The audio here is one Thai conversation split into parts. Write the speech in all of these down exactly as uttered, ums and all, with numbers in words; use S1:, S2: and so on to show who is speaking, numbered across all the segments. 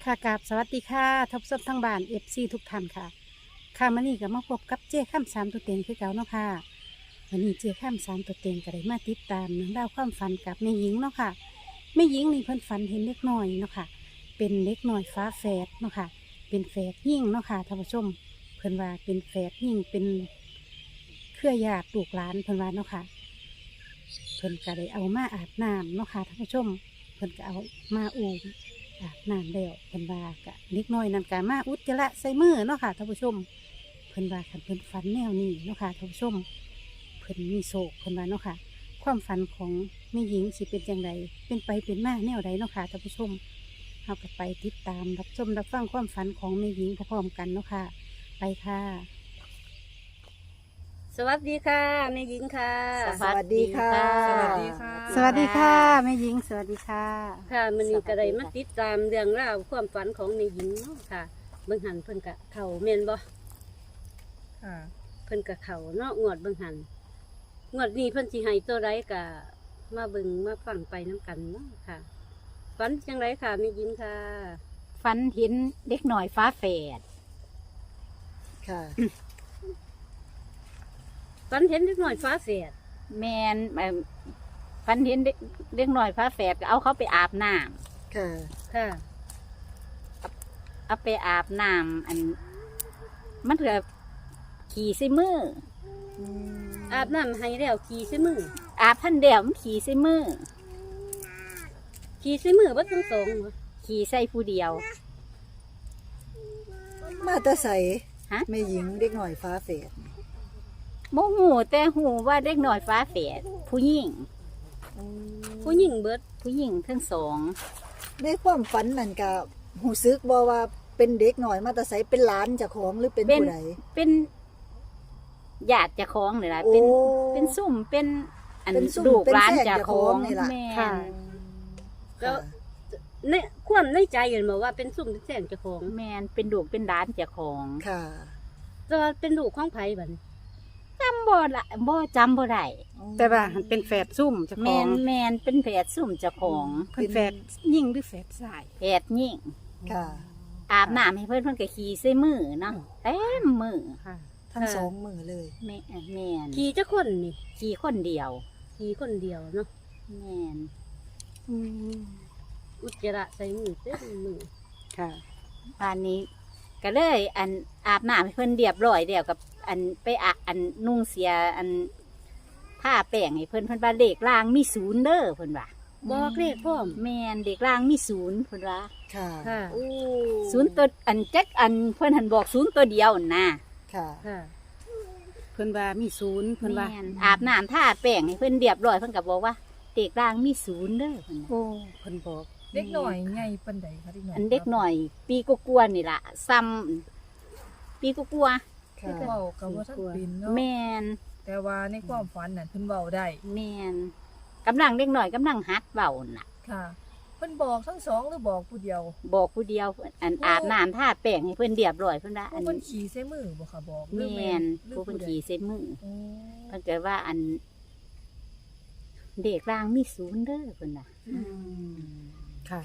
S1: ค่ะกราบสวัสดีค่ะทบทบทั้งบ้านเอฟซีทุกท่านค่ะค่ะมื่อนี้ก็มาพบกับเจ้ข้ามสามตัวเต็งคือเก่าเนาะค่ะวันนี้เจ้ข้ามสามตัวเต็งก็ได้มาติดตามเรื่องราวความฝันกับแม่หญิงเนาะค่ะแม่หญิงนี่เพิ่นฝันเห็นเล็กน้อยเนาะค่ะเป็นเล็กน้อยฟ้าแฝดเนาะค่ะเป็นแฝดยิ่งเนาะค่ะท่านผู้ชมเพิ่นว่าเป็นแฝดยิ่งเป็นเครือญาติลูกหลานเพิ่นว่าเนาะค่ะเพิ่นก็ได้เอามาอาบน้ำเนาะค่ะท่านผู้ชมเพิ่นก็เอามาอูมอาบน้ำแล้วเพิ่นว่ากะเล็กน้อยนั่นกะมาอุจจาระใส่มือเนาะค่ะท่านผู้ชมเพิ่นว่าคันเพิ่นฝันแนวนี้เนาะค่ะท่านผู้ชมเพิ่นมีโศกเพิ่นว่าเนาะค่ะความฝันของแม่หญิงสิเป็นจังไดเป็นไปเป็นมาแนวใดเนาะค่ะท่านผู้ชมเฮาก็ไปติดตามรับชมรับฟังความฝันของแม่หญิงพร้อมๆกันเนาะค่ะไปค่ะสวัสดีค่ะแม่หญิงค่ะ
S2: สวัสดีค่ะ
S3: สวัสดีค่ะ
S1: สวัสดีค่ะแม่หญิงสวัสดีค่ะ
S3: ค่ะมันนี่ก็ได้มาติดตามเรื่องราวความฝันของแม่หญิงเนาะค่ะเบิ่งหันเพิ่นกะเข่าแม่นบ่
S2: ค่ะ
S3: เพิ่นกะเข่าเนาะงวดเบิ่งหันงวดนี้เพิ่นสิให้ตัวใดกะมาเบิ่งมาฟังไปน้ำกันเนาะค่ะฝันจังไรค่ะแม่หญิงค่ะ
S4: ฝันเห็นเด็กหน่อยฟ้าแฝด
S2: ค่ะ
S3: ฝันเห็นเด็กน้อยฟ้าแฝด
S4: แมนเอิ่มฝันเห็นเด็กเด็กหน่อยฟ้าแฝดก็เอาเขาไปอาบน้
S2: ค่ะ
S3: ค่ะ
S4: ำเอาไปอาบน้ำอัน มันเถือขี่ใส่มือ
S3: อาบน้ำให้แล้วขี่ใส่มือ
S4: อาบพันเดียวมันขี่ใส่มือ
S3: ขี่ใส่มือบ่ทั้งสองเหรอ
S4: ขี่ใส่ผู้เดียว
S2: มาแตาใส
S4: ฮะ
S2: แม่หญิงเด็กหน่อยฟ้าเฟด
S4: โมหูแต่หูว่าเด็กหน่อยฟ้าแฝดผู้หญิง
S3: ผู้หญิงเบิด
S4: ผู้หญิงทั้งสอง
S2: ในความฝันนั่นก็หูซึกบ่ว่าเป็นเด็กหน่อยมาแตาใสเป็นหลานเจ้าของหรือเป็น
S4: เป็น
S2: ผู้ใด
S4: เป็นญาติเจ้าของเลยล่ะ
S2: โอ้
S4: เป็นเป็นซุ่มเป็นอัน
S2: เป็นซุ่ม
S4: ลูก
S2: เป็น
S4: ร้าน
S2: แฝด
S4: เจ้า
S2: เจ้า
S4: ข
S2: ข
S4: อ
S2: อง งนี่ล่ะ
S4: แม่
S1: ค่ะ
S4: น
S3: แล้ว
S2: ค่ะ
S3: ในความในใจเห็นบอกว่าเป็นซุ่มเป็นแสงเจ้าของ
S4: แมนเป็นลูกเป็นร้านเจ้าของ
S2: ค่ะ
S3: แต่ว่าเป็นลูกของไผบัดนี้
S4: จำบ่ละบ่จำบ่ได้
S1: แต่ว่าหันเป็นแฝดซุ่มเจ้า
S4: แม
S1: ของ
S4: นแมนเป็นแผดซุ่มเจ้าของ
S1: เพิ่นแฝดยิ่งหรือแฝดสาย
S4: แผดยิ่ง
S2: ค่ะ
S4: อาบน้ำให้เพิ่นเพิ่นก็ขี่ใส่มือเนาะเต็มมือ
S1: ค่ะ
S2: ทั้งสองมือเลย
S4: แม่แมน
S3: ขี่จักคนนี่
S4: ขี่คนเดียว
S3: ขี่คนเดียวเนาะ
S4: แมน
S1: อืม
S3: อุจจาระใส่มือเต็มมือ
S1: ค่ะ
S4: บ้านนี้ก็เลยอันอาบน้ำให้เพิ่นเรียบร้อยเดียวกับอันไปอะอันนุ่งเสียอันผ้าแป้งให้เพิ่นเพิ่นว่าเลขล่างมีศูนย์เด้อเพิ่นว่า
S3: บอกเลขพร้อม
S4: แมนเด็กล่างมีศูนย์เพิ่นว่า
S2: ค่ะ
S3: ค่ะ
S4: โอ้ศูนย์ตัวอันแจ็คอันเพิ่นหันบอกศูนย์ตัวเดียวน่ะ
S2: ค่ะ
S3: ค่ะ
S1: เพิ่นว่ามีศูนย์เพิ่นว่า
S4: แม่นอาบน้ำท่าแป้งให้เพิ่นเรียบร้อยเพิ่นก็บอกว่าเด็กล่างมีศูนย์เด้อเพิ่นน่ะ
S1: โอ้เพิ่นบอก
S5: เด็กหน่อยไงปันใดคะเด็กหน่อย
S4: อันเด็กหน่อย ปีกกลัวาๆนี่ล่ะซ้ำปีกกลัวา
S2: ค่ะ
S5: เว้ากับว่าท่านเป็น
S4: ๆ
S5: เนาะ
S4: แม่น
S5: แต่ว่าในความฝันน่ะเพิ่นเว้าได้
S4: แม่นกำลังเด็กหน่อยกำลังหัดเว้าน่ะ
S5: ค่ะเพิ่นบอกทั้งสองหรือบอกผู้เดียว
S4: บอกผู้เดียวอันอาบน้ำท่าแป้งให้เพิ่นเรียบร้อยเพิ่นว่าอัน
S5: เพิ่นขี่ใส่มือบ่ค่ะบอกหรือ
S4: แม่น
S5: หรือ
S4: ผู้เพิ่น
S5: ใด
S4: ขี่เส้นมือ
S5: โอ้
S4: เพิ่นก็ว่าอัน เด็กล่างมีศูนย์เด้อเพิ่นน่ะ
S1: อืมค่ะ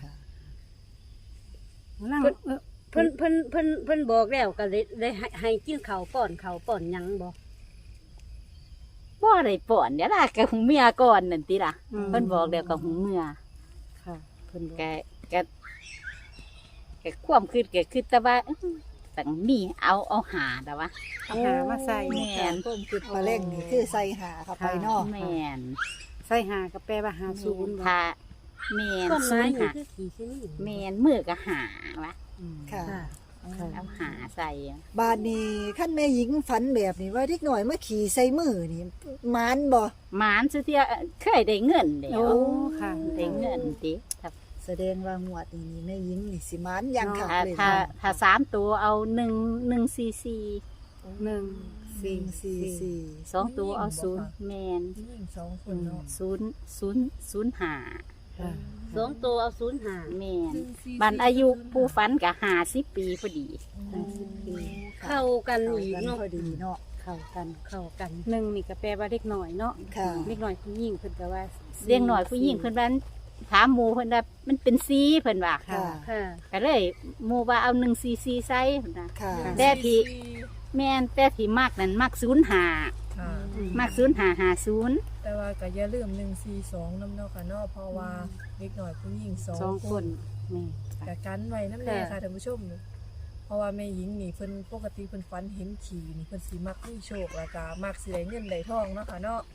S1: ลังเออ
S3: เพิ่นเพิ่นเพิ่นเพิ่นบอกแล้วก็เลยได้ให้ให้กินข้าวป้อนข้าวป้อนหยังบ่
S4: บ่ได้ป้อนเดี๋ยวล่ะกับหูเมียก่อนนั่นติล่ะ
S1: ม
S4: เพิ่นบอกแล้วกับหูเมีย
S1: ค่ะเพิ่นบอก
S4: แกแกแกความคิดแกคิดแต่ว่าอื้อตั้งมีเอาเอาหาแต่ว่า
S1: เอาหามาใส่
S4: แม่
S2: ค่ะ
S4: น
S2: เพิ่มจุดปลาเล่งนี่คือใส่หาเข้าไปเนาะ
S4: แม่น
S1: ใส่หาก็แปลว่าหาศูนย์บ่
S4: ถ้าแม่น
S3: ความห
S4: ศู
S3: มาย
S4: นย์
S3: นี่
S4: หา
S3: คือขี่ใส่มือ
S4: แม่นมือก็หาวะ
S1: อืม
S2: ค่ะ
S3: ค่ะ
S1: ค่ะ
S4: เอาหาใส่
S2: บาดนี้ขั้นแม่หญิงฝันแบบนี้ว่าเด็กหน่อยมาขี่ใส่มือนี่มานบ่
S4: หมานสุเทียเคยได้เงินเดีย
S1: โอ้
S4: ว
S1: ค่ะ
S4: ได้เงินติถ้า
S2: แสดงว่าหมวดนี้แม่หญิงนี่สิมานอย่างคัก
S4: ถ้า
S2: เลย
S4: ถ้า
S2: ค่ะ
S4: ถ้าสามตัวเอาหนึ่งหนึ่งซีซี
S1: หนึ่ง
S2: สี่
S1: สี่
S2: สี่สี่
S4: สองตัวเอาศูนย์แมน
S5: ผู้หญิงสองคนเนาะ
S4: ศูนย์ศูนย์ศูนย์หา
S1: ค่ะ
S3: สองตัวเอาศูนย์ห้า
S4: แมนบันอายุผู้ฝันกับหาสิบปีพอดี
S2: ห้าสิบปี
S3: เข้ากัน
S2: เข้า
S3: อีก
S2: กัน
S3: เนาะ
S2: พอดีเนาะ
S1: เข้ากัน
S3: เข้ากัน
S1: หนึ่งนี่ก็แปลว่าเด็กหน่อยเนาะ
S2: ค่ะ
S1: เด็กหน่อยผู้หญิงเพิ่นก็ว่า
S4: เลี้ยงหน่อยผู้หญิงเพิ่นบ้านถามหมู่เพิ่นว่ามันเป็นซีเพิ่นว่า
S2: ค่ะ
S3: ค่ะ
S4: ก็เลยหมู่ว่าเอาหนึ่งซีซีใส่เพิ่นน่ะ
S2: ค่ะ
S4: แต่ที่ แม่นแต่ที่มักนั่นมักศูนย์หา
S5: ค่ะ
S4: มักศูนย์หาหาศูนย์
S5: แต่ว่าก็อย่าลืมหนึ่งสี่สองนำเนาะค่ะเนาะเพราะว่าเด็กน้อยผู้หญิงสอง
S1: สอง
S5: ค
S1: คน นแม่
S5: แต่กันไว้นำแน่ค่ะท่านผู้ชม เพราะว่าแม่หญิงนี่เพิ่นปกติเพิ่นฝันเห็นขี่นี่เพิ่นสิมักมีโชคแล้วก็มักสิได้เงินได้ทองเนาะค่ะเนาะ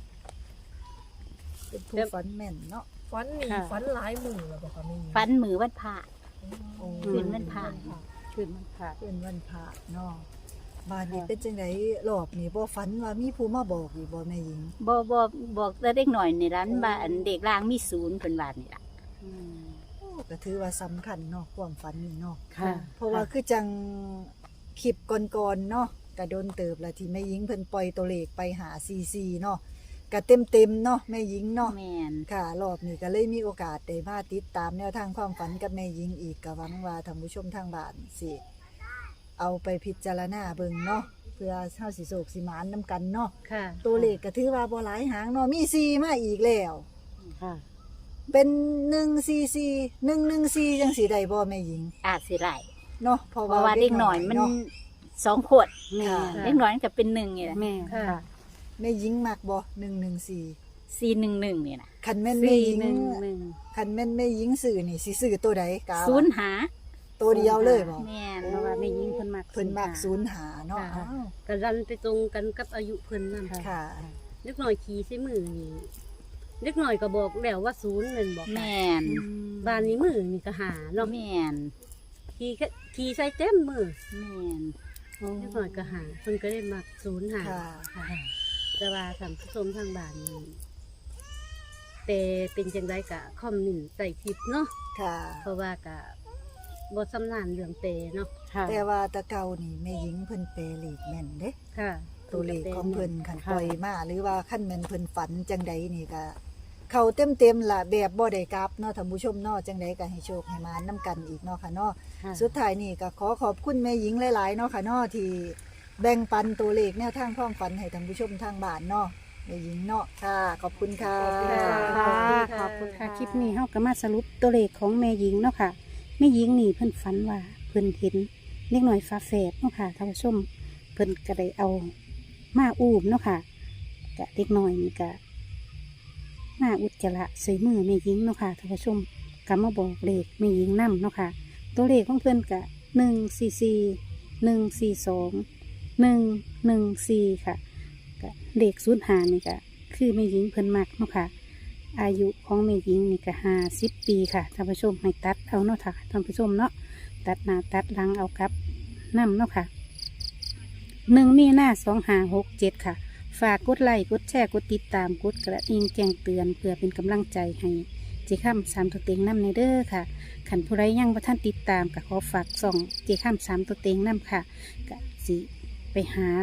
S2: เป็นผู้ฝันแม่นเนาะ
S5: ฝันนี่ฝันหลายมื้อแล้วบ่ค่ะแม่หญิง
S4: ฟันมือวันพระ
S2: โอ้
S4: คืนวันพระ
S1: คืนมันผ่า
S2: เป็นวันพระเนาะบ้านนี้เป็นจังไดรอบนี้บ่ฝันว่ามีผู้มาบอกอีกบ่แม่หญิง
S4: บ่บ่บอกแต่เด็กหน่อยนี่ร้านบ้านเด็กล่างมีศูนย์เพิ่นว่านี่ล่ะ
S2: โอ้ก็ถือว่าสำคัญเนาะความฝันนี่เนาะ
S1: ค่ะ
S2: เพราะว่าคือจังคลิปก่อนๆเนาะก็โดนเติบละที่แม่หญิงเพิ่นปล่อยตัวเลขไปหาซีซีเนาะก็เต็มๆเนาะแม่หญิงเนาะ
S4: แม่น
S2: ค่ะรอบนี้ก็เลยมีโอกาสได้มาติดตามแนวทางความฝันกับแม่หญิงอีกก็หวังว่าท่านผู้ชมทางบ้านสิเอาไปพิจารณาเบิ่งเนาะเพื่อเฮาสิโศกสิหมานนํกันเนาะ
S3: ค่ะ
S2: ตัวเลขก็ถือว่าบ่หลายหางเนาะมีสี่มาอีกแล้ว
S1: ค่ะ
S2: เป็นหนึ่ง สี่ สี่ หนึ่ง หนึ่ง สี่จังสิได้บ่แม่หญิง
S4: อาจสิได้
S2: เนาะเพราะ
S4: เพ
S2: ว่า
S4: ราะว่าเด็กหน่อยมัน
S2: เาะ
S4: สองขวด
S1: แม่
S2: ค่ะ
S4: เด็กน้อยมันก็เป็นหนึ่งนี่แหละ
S1: แม่
S3: ค่ะ
S1: ค่ะ
S2: แม่หญิงมักบ่หนึ่ง หนึ่ง สี่
S4: สี่หนึ่งหนึ่งนี่นะ
S2: คันแม่นแม่
S1: สี่
S2: หญิง
S1: หนึ่งหนึ่ง
S2: คันแม่นแม่หญิงซื้อนี่สิซื้อตัวใดกะ
S4: ศูนย์หา
S2: ตัวเดียวเลยบ่
S4: แม่น
S1: เพราะว่าแม่ยิงเพิ่นมัก
S2: เพิ่นมักศูนย์หาเนาะ
S3: ค่ะ
S2: อ้าว
S3: ก็รันไปตรงกันกับอายุเพิ่นนั่น
S2: ค่ะ
S3: เล็กน้อยขี่ใส่มือนี่เล็กน้อยก็บอกแล้วว่าศูนย์นั่นบอก
S4: แม่น
S3: บ้านนี้มือนี่ก็หาเนาะ
S4: แม่น
S3: ขี่ก็ขี่ใส่เต็มมือ
S4: แม่น
S3: เล็กน้อยก็หาเพิ่นก็ได้มักศูนย์หา
S2: ค่ะ
S3: ค่ะแต่ว่าท่านผู้ชมทางบ้านนี่แต่เป็นจังไดกะคอมเมนต์ใส่คลิปเนาะ
S2: ค่ะ
S3: เพราะว่ากะบ่สำนานเรื่องเปเนาะ
S1: ค่ะ
S2: แต่ว่าแตะเก่านี่แม่หญิงเพิ่นเปรเลขแม่นเด้
S3: ค่ะ
S2: ตัวเลขของเพิ่นคัน
S1: ค่ะ
S2: ปล่อยมาหรือว่าคันแม่นเพิ่นฝันจังใดนี่ก็เข้าเต็มๆล่ะแบบบ่ได้กลับเนาะท่านผู้ชมเนาะจังใดก็ให้โชคให้มานำกันอีกเนาะค่ะเนาะ
S1: ค่ะ
S2: สุดท้ายนี่ก็ขอขอบคุณแม่หญิงหลายๆเนาะค่ะเนาะที่แบ่งปันตัวเลขแนวทางความฝันให้ท่านผู้ชมทางบ้านเนาะแม่หญิงเนาะค่ะ ขอบคุณค่ะ
S3: ขอบคุณ
S1: ค่ะ
S3: ค่ะ
S1: ขอบคุณค่ะ คลิปนี้เฮาก็มาสรุปตัวเลขของแม่หญิงเนาะค่ะ แม่หญิงนี่เพิ่นฝันว่าเพิ่นเห็นเล็กน้อยฟ้าแฝดเนาะค่ะท่านผู้ชมเพิ่นก็ได้เอามาอูมเนาะค่ะกะเล็กน้อยนี่ก็มาอุจจาระใส่มือแม่หญิงเนาะค่ะท่านผู้ชมก็มาบอกเลขแม่หญิงนำเนาะค่ะ ตัวเลขของเพิ่นกะหนึ่งสี่สี่หนึ่งสี่สองหนึ่งหนึ่งสี่ค่ะกะเลขศูนย์หานี่กะคือแม่หญิงเพิ่นมักเนาะค่ะ อายุของแม่หญิงนี่ก็ห้าสิบปีค่ะท่านผู้ชมให้ตัดเอาเนาะค่ะท่านผู้ชมเนาะตัดหน้าตัดหลังเอากับน้ำเนาะค่ะหนึ่งมีหน้าสองหาหกเจ็ดค่ะ ฝากกดไลค์กดแชร์กดติดตามกดกระดิ่งแจ้งเตือนเพื่อเป็นกำลังใจให้เจ้าข้ามสามตัวเต็งน้ำในเด้อค่ะขันผู้ใดยังบ่ท่านติดตามก็ขอฝากส่องเจ้าข้ามสามตัวเต็งน้ำค่ะก็สิไปหา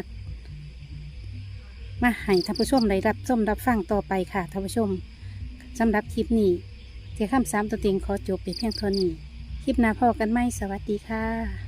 S1: มาให้ท่านผู้ชมได้รับชมรับฟังต่อไปค่ะท่านผู้ชมสำหรับคลิปนี้เจ้าข้ามสามตัวเต็งขอจบไปเพียงเท่านี้คลิปหน้าพอกันไหมสวัสดีค่ะ